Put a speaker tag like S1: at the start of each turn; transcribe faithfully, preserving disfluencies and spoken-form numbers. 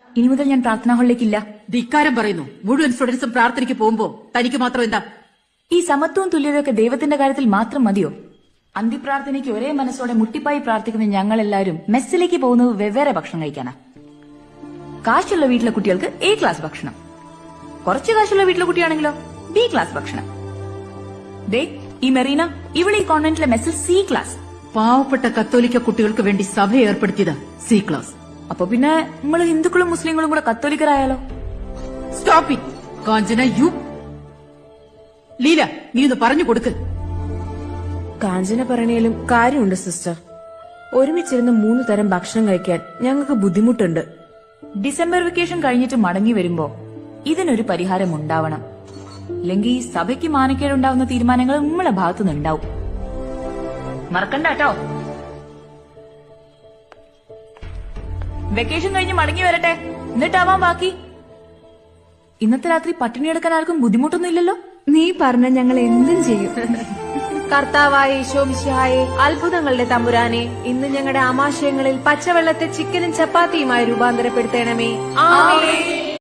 S1: ഇനി മുതൽ ഞാൻ പ്രാർത്ഥനാ ഹാളിലേക്കില്ല.
S2: ധിക്കാരം പറയുന്നു. മുഴുവൻ സ്റ്റുഡൻസും പ്രാർത്ഥനയ്ക്ക് പോകുമ്പോ തനിക്ക് മാത്രം എന്താ?
S1: ഈ സമത്വവും തുല്യതയൊക്കെ ദൈവത്തിന്റെ കാര്യത്തിൽ മാത്രം മതിയോ? അന്തിപ്രാർത്ഥനയ്ക്ക് ഒരേ മനസ്സോടെ മുട്ടിപ്പായി പ്രാർത്ഥിക്കുന്ന ഞങ്ങളെല്ലാവരും മെസ്സിലേക്ക് പോകുന്നത് വെവ്വേറെ ഭക്ഷണം കഴിക്കാനാ. കാശുള്ള വീട്ടിലെ കുട്ടികൾക്ക് എ ക്ലാസ് ഭക്ഷണം, കുറച്ച് കാശുള്ള വീട്ടിലെ കുട്ടിയാണെങ്കിലോ ബി ക്ലാസ് ഭക്ഷണം. ദേ ഈ മെറീന, ഇവിടെ ഈ കോൺവെന്റിലെ മെസ്സിൽ സി ക്ലാസ്.
S2: പാവപ്പെട്ട കത്തോലിക്ക കുട്ടികൾക്ക് വേണ്ടി സഭ ഏർപ്പെടുത്തിയത് സി ക്ലാസ്.
S1: അപ്പൊ പിന്നെ നമ്മള് ഹിന്ദുക്കളും മുസ്ലിങ്ങളും കൂടെ കത്തോലിക്കരായാലോ?
S2: Stop it Kanchana. You Leela, നീ ഒന്ന് പറഞ്ഞു കൊടുക്ക്.
S3: കാഞ്ചന പറയണേലും കാര്യമുണ്ട് സിസ്റ്റർ. ഒരുമിച്ചിരുന്ന് മൂന്ന് തരം ഭക്ഷണം കഴിക്കാൻ ഞങ്ങൾക്ക് ബുദ്ധിമുട്ടുണ്ട്.
S1: ഡിസംബർ വെക്കേഷൻ കഴിഞ്ഞിട്ട് മടങ്ങി വരുമ്പോ ഇതിനൊരു പരിഹാരം ഉണ്ടാവണം. അല്ലെങ്കിൽ ഈ സഭയ്ക്ക് മാനക്കേടുണ്ടാവുന്ന തീരുമാനങ്ങൾ നമ്മളെ ഭാഗത്തുനിന്നുണ്ടാവും. മറക്കണ്ട കേട്ടോ. വെക്കേഷൻ കഴിഞ്ഞ് മടങ്ങി വരട്ടെ, എന്നിട്ടാവാം ബാക്കി. ഇന്നത്തെ രാത്രി പട്ടിണി എടുക്കാൻ ആർക്കും ബുദ്ധിമുട്ടൊന്നും ഇല്ലല്ലോ?
S3: നീ പറഞ്ഞ ഞങ്ങൾ എന്തും ചെയ്യും. കർത്താവായ ഈശോമിശിഹായെ, അത്ഭുതങ്ങളുടെ തമ്പുരാനെ, ഇന്ന് ഞങ്ങളുടെ ആമാശയങ്ങളിൽ പച്ചവെള്ളത്തെ ചിക്കനും ചപ്പാത്തിയുമായി രൂപാന്തരപ്പെടുത്തണമേ. ആമേൻ.